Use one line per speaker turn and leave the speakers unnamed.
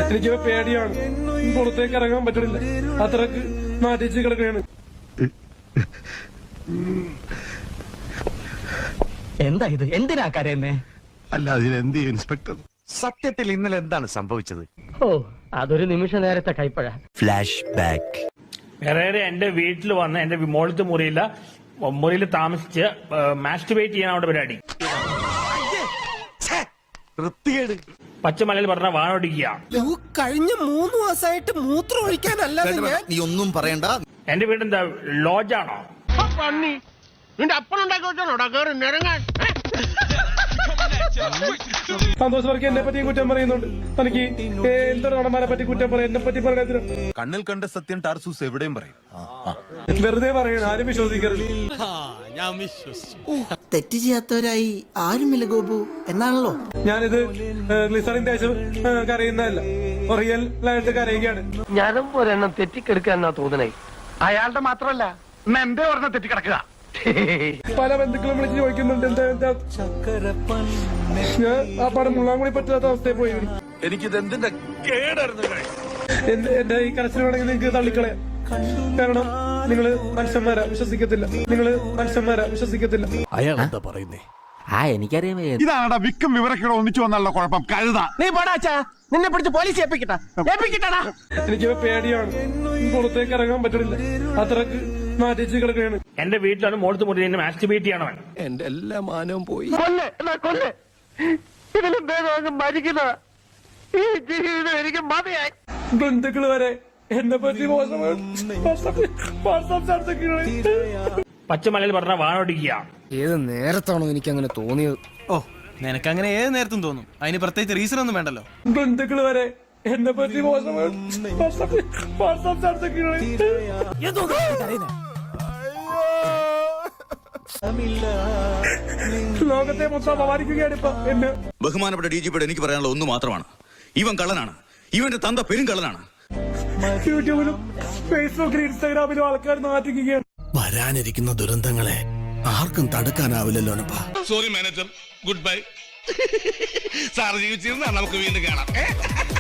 എനിക്ക് പേടിയാണ്, പുറത്തേക്ക് ഇറങ്ങാൻ പറ്റണില്ല, അത്രക്ക് നാട്ടിച്ച് കിടക്കുകയാണ്.
എന്താ ഇത്? എന്തിനാ കരയുന്നേ?
അല്ല അതിനെന്ത് ഇൻസ്പെക്ടർ?
സത്യത്തിൽ ഇന്നലെ എന്താണ് സംഭവിച്ചത്?
ഓ, അതൊരു നിമിഷ നേരത്തെ കൈപ്പഴ.
Flash back.
വേറെ എന്റെ വീട്ടിൽ വന്ന് എന്റെ മോളത്തെ മുറിയിൽ താമസിച്ച് മാസ്റ്റുബേറ്റ് ചെയ്യാൻ അവിടെ പരിപാടി. പച്ചമലയിൽ പറഞ്ഞ വാണോടിക്കുക.
കഴിഞ്ഞ 3 മാസമായിട്ട് മൂത്രം ഒഴിക്കാനല്ലാതെ
നീ ഒന്നും പറയണ്ട.
എന്റെ വീടെന്താ ലോഡ്ജാണോ?
സന്തോഷ് വർക്ക് എന്നെ പറ്റി കുറ്റം പറയുന്നുണ്ട്. തനിക്ക് എന്തൊരു നടന്മാരെ പറ്റി കുറ്റം പറയാം, എന്നെ പറ്റി പറയാൻ
കണ്ണിൽ കണ്ട സത്യം ടാർസൂസ് എവിടെയും പറയും.
വെറുതെ പറയണം, ആരും വിശ്വസിക്കരുത്.
തെറ്റ് ചെയ്യാത്തവരായി ആരുമില്ല ഗോപു എന്നാണല്ലോ.
ഞാനിത് ഗ്ലിസറിന്റെ ശേഷം കരയുന്നതല്ല, റിയൽ ആയിട്ട് കരയുകയാണ്.
ഞാനും ഒരെണ്ണം തെറ്റിക്കെടുക്കാന്നാ തോന്നണേ. അയാളുടെ മാത്രമല്ല, എന്റെ ഒരെണ്ണം തെറ്റിക്കിടക്കുക.
പല ബന്ധുക്കളും വിളിച്ച് ചോദിക്കുന്നുണ്ട് എന്താ ഞാൻ ആ പടം മുള്ളാൻ കൂടി പറ്റാത്ത അവസ്ഥയിൽ പോയി.
എനിക്കിത് എന്തിന്റെ കേടായിരുന്നു.
എന്റെ ഈ കരച്ചിൽ വേണമെങ്കിൽ നിങ്ങൾക്ക് തള്ളിക്കളയാം, കാരണം നിങ്ങള് മനുഷ്യന്മാരാ, വിശ്വസിക്കത്തില്ല.
അയാൾ എന്താ പറയുന്നേ?
എനിക്കറിയാം.
ഇതാണടാ വിക്കും വിവരക്കേടോ ഒന്നിച്ചു വന്നുള്ള കുഴപ്പം. കഴുത
നീ പോടാച്ചാ, നിന്നെ പിടിച്ച് പോലീസ് ഏൽപ്പിക്കട്ടാ.
എനിക്ക് പേടിയാണ്, പുറത്തേക്ക് ഇറങ്ങാൻ പറ്റണില്ല, അത്രക്ക് നാട്ടിച്ച് കിടക്കുകയാണ്.
എന്റെ വീട്ടിലാണ് മോളത്തെ മുറിയിൽ മാസ്റ്റുബേറ്റ് ചെയ്യണം.
എന്റെ എല്ലാ മാനവും പോയി.
കൊല്ല് ഇതിലും ഭേദം മരിക്കുന്ന ഈ ജീവിതം എനിക്ക് മതിയായി.
ബന്ധുക്കള് വരെ എന്നെ പറ്റി
പച്ചമലയിൽ പറഞ്ഞ വാണോടിക്കുക.
ഏത് നേരത്താണോ എനിക്ക് അങ്ങനെ തോന്നിയത്?
ഓ, നിനക്കങ്ങനെ ഏത് നേരത്തും തോന്നും. അതിന് പ്രത്യേകിച്ച് റീസൺ ഒന്നും വേണ്ടല്ലോ.
ബന്ധുക്കള് വരെ എന്നെ പറ്റി ലോകത്തെ മൊത്തം അപമാനിക്കുകയാണ് ഇപ്പൊ എന്നെ.
ബഹുമാനപ്പെട്ട DGP എനിക്ക് പറയാനുള്ള ഒന്ന് മാത്രമാണ്, ഇവൻ കള്ളനാണ്, ഇവന്റെ തന്ത പെരും കള്ളനാണ്.
യൂട്യൂബിലും ഫേസ്ബുക്കിലും ഇൻസ്റ്റാഗ്രാമിലും ആൾക്കാർ നാട്ടിക്കുകയാണ്.
വരാനിരിക്കുന്ന ദുരന്തങ്ങളെ ആർക്കും തടുക്കാനാവില്ലല്ലോ.
Sorry manager, goodbye. Sir ജീവിച്ചിരുന്നാൽ നമുക്ക് വീണ്ടും കാണാം.